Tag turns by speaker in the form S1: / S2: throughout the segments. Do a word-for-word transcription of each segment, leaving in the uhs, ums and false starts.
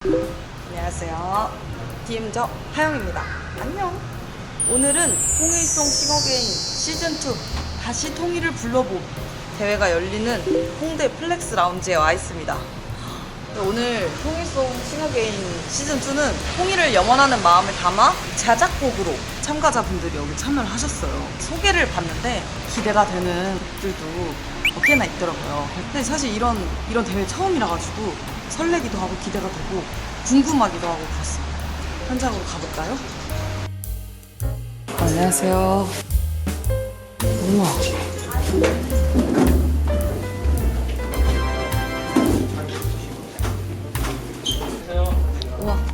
S1: 안녕하세요. 디엠저 하영입니다. 안녕. 오늘은 통일송 싱어게인 시즌투 다시 통일을 불러봄 대회가 열리는 홍대 플렉스 라운지에 와 있습니다. 오늘 통일송 싱어게인 시즌투는 통일을 염원하는 마음을 담아 자작곡으로 참가자분들이 여기 참여를 하셨어요. 소개를 봤는데 기대가 되는 곡들도 몇 개나 있더라고요. 근데 사실 이런, 이런 대회 처음이라 가지고 설레기도 하고 기대가 되고 궁금하기도 하고 그렇습니다. 현장으로 가볼까요? 안녕하세요. 우와. 우와.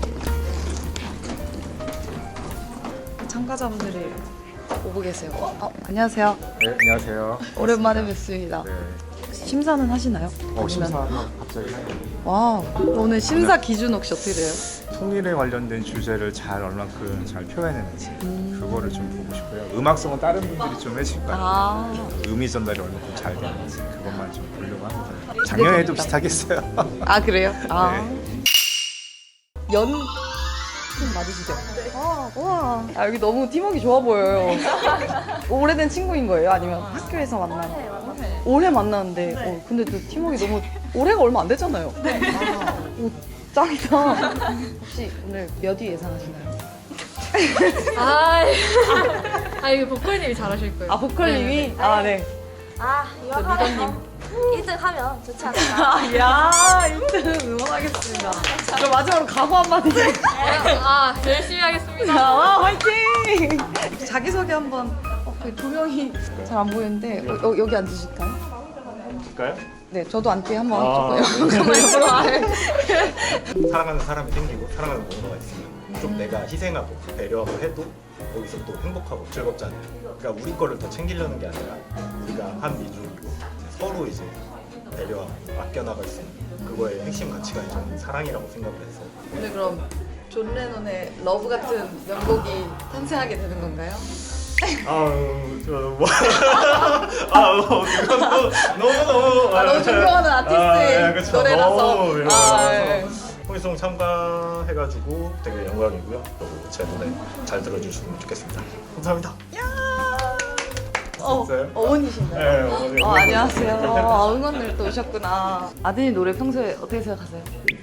S1: 참가자분들이 오고 계세요. 어, 안녕하세요.
S2: 네, 안녕하세요.
S1: 오랜만에 뵙습니다.
S2: 네.
S1: 심사는 하시나요?
S2: 어, 심사하면 갑자기
S1: 와, 오늘 심사 기준 혹시 어떻게 돼요?
S2: 통일에 관련된 주제를 잘 얼만큼 잘 표현했는지
S1: 음.
S2: 그거를 좀 보고 싶고요. 음악성은 다른 분들이 좀 해주실 거예요.
S1: 아,
S2: 의미 전달이 얼만큼 잘 되는지 그것만 좀 보려고 합니다. 작년에도 비슷하게 했어요.
S1: 아 그래요? 아.
S2: 네.
S1: 연... 팀 맞으시죠? 아, 와. 아, 여기 너무 팀워크 좋아 보여요. 오래된 친구인 거예요? 아니면 학교에서 만나요? 올해 만났는데, 어, 근데 또 팀워크 너무 올해가 얼마 안 됐잖아요. 아, 오, 짱이다. 혹시 오늘 몇 위 예상하시나요?
S3: 아, 아 이거 보컬님이 잘하실 거예요.
S1: 아 보컬님이?
S3: 네, 네.
S1: 아 네.
S3: 아 이거 하면 일 등 하면 좋지 않을까?
S1: 아, 야, 일 등 응원하겠습니다. 그럼 마지막으로 각오 한마디.
S3: 아 열심히 하겠습니다.
S1: 아, 화이팅! 자기소개 한번. 어, 그 조명이 잘 안 보이는데 어, 여, 여기 앉으실까요?
S2: 볼까요?
S1: 네, 저도 앉게 한번
S2: 아,
S1: 조금
S2: 네.
S1: 잠깐만 옆으로 와요.
S4: 사랑하는 사람이 생기고 사랑하는 뭔가가 있으면 좀 내가 희생하고 배려하고 해도 거기서 또 행복하고 즐겁잖아요. 그러니까 우리 거를 더 챙기려는 게 아니라 우리가 한 민족이고 이제 서로 이제 배려하고 아껴나갈 수 있는 그거의 핵심 가치가 저는 사랑이라고 생각을 해서
S1: 오늘 그럼 존 레논의 러브 같은 명곡이 탄생하게 되는 건가요?
S4: 아우 저뭐 아우 그건 또 너무 너무
S1: 아, 너무 존경하는 아티스트의
S4: 그쵸.
S1: 노래라서.
S4: 너무 이런
S1: 아,
S4: 거라서
S1: 네.
S4: 홍일송 참가해가지고 되게 영광이고요. 그리고 제 노래 잘 들어주시면 좋겠습니다. 감사합니다.
S1: 어,
S4: 진짜요?
S1: 어머니신가요?
S4: 네, 어머니.
S1: 어, 안녕하세요. 아, 응원을 또 오셨구나. 아드님 노래 평소에 어떻게 생각하세요?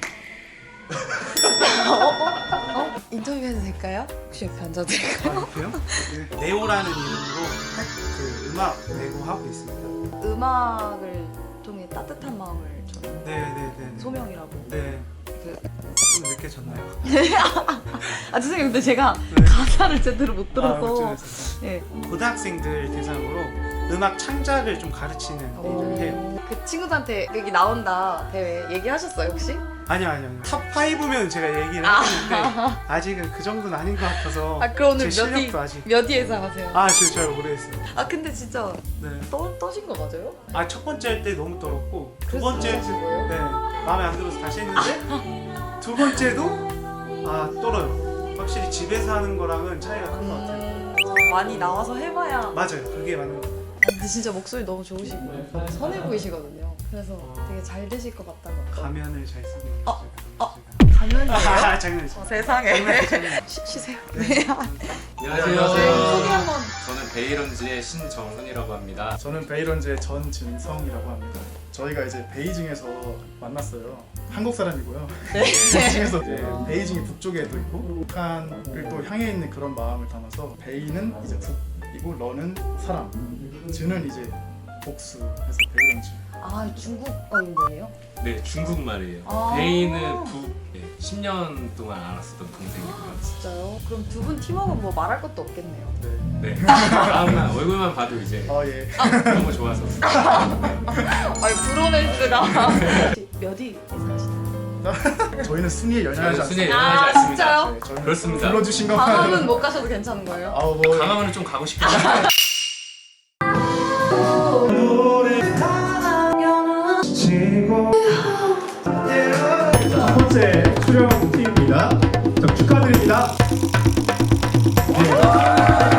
S1: 어, 어? 어? 인터뷰해도 될까요? 혹시 옆에 앉아도 될까요?
S5: 그요? 네오라는 이름으로 그 음악 내고 하고 있습니다.
S1: 음악을 통해 따뜻한 마음을 저는
S5: 네네네.
S1: 소명이라고.
S5: 네.
S1: 그,
S5: 좀 늦게 졌나요?
S1: 아 죄송해요. 근데 제가
S5: 네.
S1: 가사를 제대로 못
S5: 아,
S1: 들어서.
S5: 어쩌면서.
S1: 예.
S5: 고등학생들 대상으로 음악 창작을 좀 가르치는 일을 해요.
S1: 그 친구들한테 여기 나온다 대회 얘기하셨어요 혹시?
S5: 아니요 아니요. 아니요. 탑 파이브면 제가 얘기를
S1: 아.
S5: 했는데 아직은 그 정도는 아닌 것 같아서
S1: 아 그럼 오늘
S5: 제
S1: 몇 위?
S5: 실력도 아직.
S1: 몇 위 예상하세요?
S5: 아, 저 잘 모르겠어요.
S1: 아 근데 진짜
S5: 네.
S1: 떠, 떠신 거 맞아요?
S5: 아, 첫 번째 할 때 너무 떨었고 두
S1: 그래서
S5: 번째
S1: 떨어진 거예요?
S5: 네. 마음에 안 들어서 다시 했는데 두 번째도 아, 떨어요. 확실히 집에서 하는 거랑은 차이가 큰 것 같아요.
S1: 음, 많이 나와서 해봐야.
S5: 맞아요. 그게 맞는 것 같아요.
S1: 근데 진짜 목소리 너무 좋으시고 너무 선해 보이시거든요. 그래서 되게 잘 되실 것 같다고.
S5: 가면을 잘 쓰고 있어요.
S1: 어,
S5: 제가.
S1: 어. 가면이에요?
S5: 아, 장난이죠.
S1: 어, 세상에. 쉬, 쉬세요. 네.
S6: 안녕하세요.
S1: 소개 한번.
S6: 저는 베이런즈의 신정훈이라고 합니다.
S7: 저는 베이런즈의 전진성이라고 합니다. 저희가 이제 베이징에서 만났어요. 한국 사람이고요.
S1: 네.
S7: 베이징에서 이제 베이징이 북쪽에도 있고 북한을 또 향해 있는 그런 마음을 담아서 베이는 이제 북이고 러는 사람, 즈는 이제 복수해서 베이런즈.
S1: 아 중국어인 거예요?
S6: 네, 중국말이에요.
S1: 아.
S6: 베이는 북 네, 십 년 동안 알았었던 동생이고요.
S1: 진짜요? 그럼 두 분 팀워크는 뭐 말할 것도 없겠네요.
S7: 네.
S6: 네, 마음만 얼굴만 봐도 이제
S7: 아 예.
S6: 너무 좋아서.
S1: 아니 브로맨스가. 몇 위 예상하시나요?
S7: 저희는 순위에 연연하지
S6: 저는 순위에
S7: 않습니다.
S6: 연연하지
S1: 아,
S6: 않습니다.
S1: 진짜요?
S7: 네, 저희는
S6: 그렇습니다.
S7: 불러주신
S1: 강화는
S7: 것만.
S1: 못 가셔도 괜찮은 거예요?
S7: 아우 뭐.
S6: 강화문은 좀 가고 싶긴 한데.
S7: 첫 번째 출연 팀입니다. 자, 축하드립니다. 네.